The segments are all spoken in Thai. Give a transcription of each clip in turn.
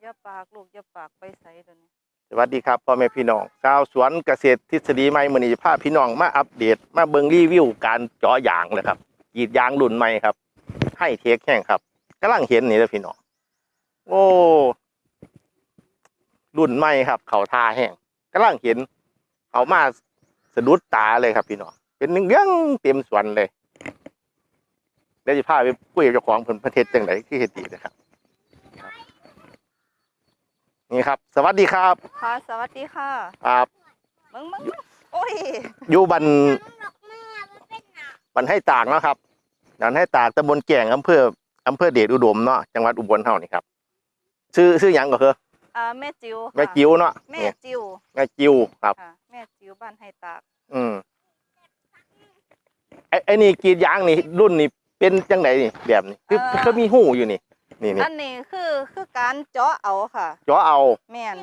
อย่าปากลูกอย่าปากไปใส่เดี๋ยวนี้สวัสดีครับพ่อแม่พี่น้องชาวสวนเกษตรทฤษฎีใหม่มื้อนี้พาพี่น้องมาอัปเดตมาเบิ่งรีวิวการเจาะยางเลยครับกรีดยางรุ่นใหม่ครับให้เทคแห้งครับกำลังเห็นนี่เลยพี่น้องโอ้รุ่นใหม่ครับเขาทาแห้งกำลังเห็นเขามาสะดุดตาเลยครับพี่น้องเป็นเรื่องเต็มสวนเลยเดี๋ยวจะพาไปคุยกับเจ้าของเพิ่นประเทศจังไดที่เฮ็ดดีนะครับนี่ครับสวัสดีครับค่ะสวัสดีค่ะครับมึงโอ้ยอยู่บันให้ตากเนาะครับบันให้ตากตำบลแก่งอำเภอเดชอุดมเนาะจังหวัดอุบลเฮานี่ครับชื่อหยังก็คือแม่จิ๋วแม่จิ๋วเนาะแม่จิ๋วแม่จิ๋วครับแม่จิ๋วบ้านให้ตากไอ้นี่กรีดยางนี่รุ่นนี่เป็นจังไดนี่แบบนี้คือมีหูอยู่นี่อันนี้คือการเจาะเอาค่ะเจาะเอาแม่น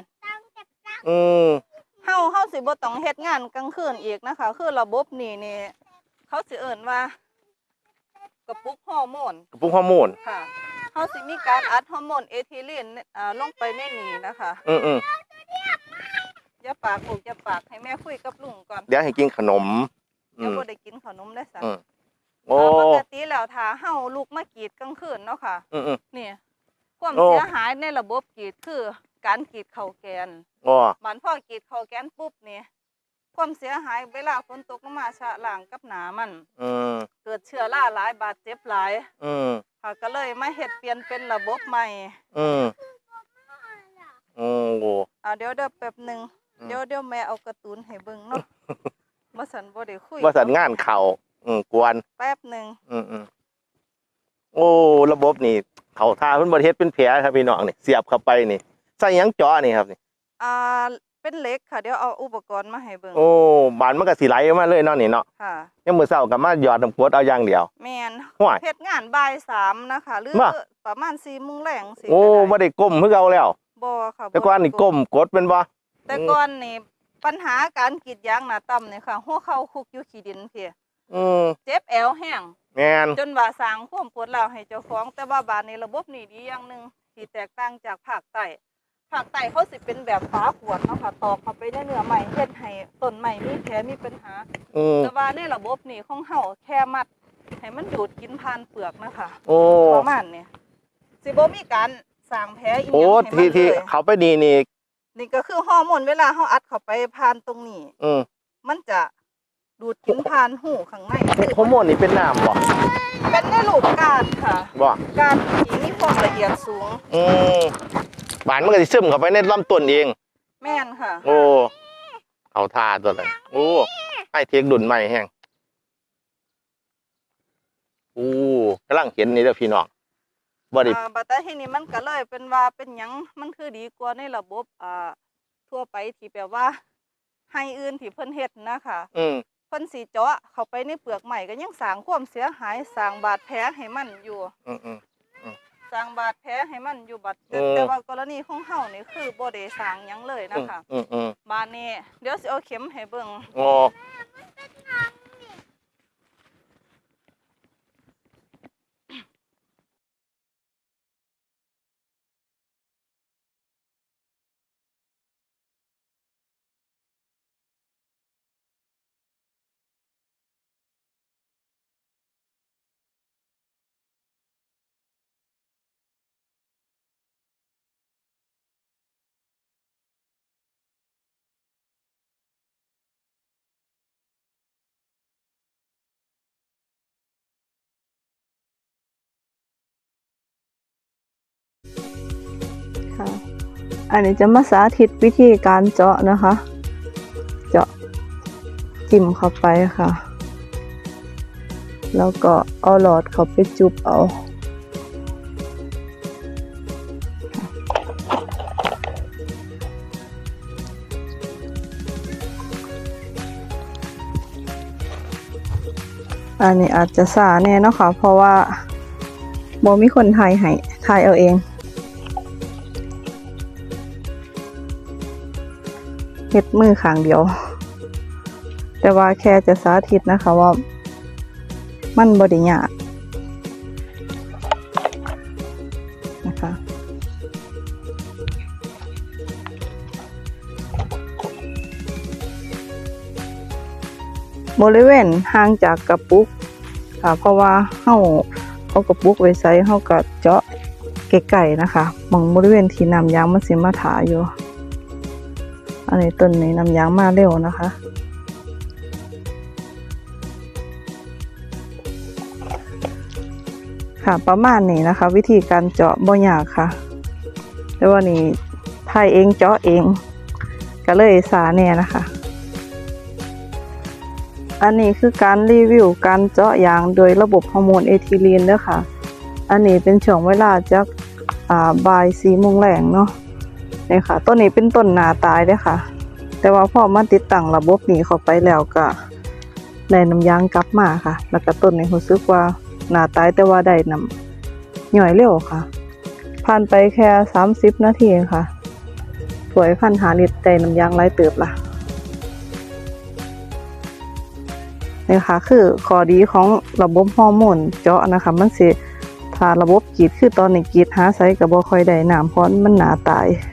เฮาสิบ่ต้องเฮ็ดงานกลางคืนอีกนะคะคือระบบนี่เขาสิเอิ้นว่ากระปุกฮอร์โมนค่ะเฮาสิมีการอัดฮอร์โมนเอทิลีนลงไปในนี้นะคะอย่าปากลูกอย่าปากให้แม่คุยกับลุงก่อนเดี๋ยวให้กินขนมเดี๋ยวบ่ได้กินขนมได้ซะปกติแล้วถ้าเฮาลูกมากรีดกลางคืนเนาะค่ะนี่ความเสียหายในระบบกรีดคือการกรีดเข่าแกนมันพอกรีดเข่าแกนปุ๊บนี่ความเสียหายเวลาฝนตกลงมาชะล้างกับหนามันเกิดเชื้อราหลายบาดเจ็บหลายค่ะก็เลยมาเฮ็ดเปลี่ยนเป็นระบบใหม่เดี๋ยวแป๊บนึงเดี๋ยวแม่เอาการ์ตูนให้เบิ่งเนาะบ่สันบ่ได้คุยบ่สันงานเข่ากวนแป๊บนึงโอ้ระบบนี่เขาทาเพิ่นบ่เฮ็ดเป็นแผลครับพี่น้องนี่เสียบเข้าไปนี่ใส่หยังเจาะนี่ครับนี่เป็นเหล็กค่ะเดี๋ยวเอาอุปกรณ์มาให้เบิ่งโอ้บานมันก็สิไหลมาเลยเนาะนี่เนาะค่ะยังมื้อเช้าก็มาหยอดน้ำกรดเอาอย่างเดียวแม่นเฮ็ดงานบ่าย3นะคะหรือประมาณ 4:00 นแลงสิโอ้บ่ได้ก้มคือเก่าแล้วบ่ค่ะแต่ก่อนนี่ก้มกดเป็นบ่แต่ก่อนนี่ปัญหาการกรีดยางหน้าต่ำนี่ค่ะหัวเข่าคุกอยู่ขี้ดินพี่เจ็บแอวแห้งแม่นจนว่าสร้างความปวดร้าวให้เจ้าของแต่ว่าบาดนี้ระบบนี่ดีอย่างนึงที่แตกต่างจากภาคใต้เขาสิเป็นแบบฝาขวดเนาะค่ะตอกเข้าไปในเนื้อไม้เฮ็ดให้ต้นไม้มีแผลมีปัญหาแต่ว่าในระบบนี่ของเฮาแค่มัดให้มันดูดกินผ่านเปลือกนะคะประมาณนี้สิบ่มีการสร้างแผลอีกอย่างให้มันที่เขาไปนี่ก็คือฮอร์โมนเวลาเฮาอัดเข้าไปผ่านตรงนี้มันจะดูดกินผ่านหูข้างในฮอร์โมนนี่เป็นน้ำบ่เป็นในรูปก้านค่ะก้านที่มีความละเอียดสูงบานมันก็สิซึมเข้าไปในลำต้นเองแม่นค่ะโอ้เอาท่าตัวเลยโอ้ให้เทคดุนใหม่แห้งโอ้กำลังเห็นนี่เด้อพี่น้องบัดแต่ทีนี้มันก็เลยเป็นว่าเป็นหยังมันคือดีกว่าในระบบทั่วไปที่แปลว่าให้อื่นที่เพิ่นเฮ็ดนะคะเพิ่นสิเจาะเข้าไปในเปลือกใหม่ก็ยังสร้างความเสียหายสร้างบาดแผลให้มันอยู่สร้างบาดแผลให้มันอยู่แต่ว่ากรณีของเฮานี่คือบ่ได้สร้างหยังเลยนะคะบาดนี้เดี๋ยวสิเอาเข็มให้เบิ่งอันนี้จะมาสาธิตวิธีการเจาะนะคะเจาะจิ้มเข้าไปค่ะแล้วก็เอาหลอดเข้าไปจุบเอาอันนี้อาจจะสาแน่เนาะค่ะเพราะว่าบ่มีคนถ่ายให้ถ่ายเอาเองเฮ็ดมือข้างเดียวแต่ว่าแค่จะสาธิตนะคะว่ามันบ่ได้ยากนะคะบริเวณห่างจากกระปุกค่ะเพราะว่าเอากระปุกไว้ใส่เฮาก็เจาะไกลๆนะคะบางบริเวณที่น้ำยางมันสิมาถาอยู่อันนี้ต้นนี้น้ำยางมาเร็วนะคะค่ะประมาณนี้นะคะ วิธีการเจาะบ่ยากค่ะแต่ว่านี่ถ่ายเองเจาะเองก็เลยสาแน่นะคะอันนี้คือการรีวิวการเจาะยางโดยระบบฮอร์โมนเอทิลีนเด้อค่ะอันนี้เป็นช่วงเวลาจากบ่าย4 โมงแรงเนาะนี่ค่ะต้นนี้เป็นต้นหนาตายเด้อค่ะแต่ว่าพอมาติดตั้งระบบนี้เข้าไปแล้วก็ได้น้ำยางกลับมาค่ะแล้วก็ต้นนี้รู้สึกว่าหนาตายแต่ว่าได้น้ำย่อยเร็วค่ะผ่านไปแค่30 นาทีค่ะถ้วย1,500 ลิตรได้น้ำยางหลายเติบละนี่ค่ะคือข้อดีของระบบฮอร์โมนเจาะนะคะมันสิถ้าระบบกรีดคือตอนนี้กรีดหาไสก็บ่ค่อยได้น้ำเพราะมันหนาตาย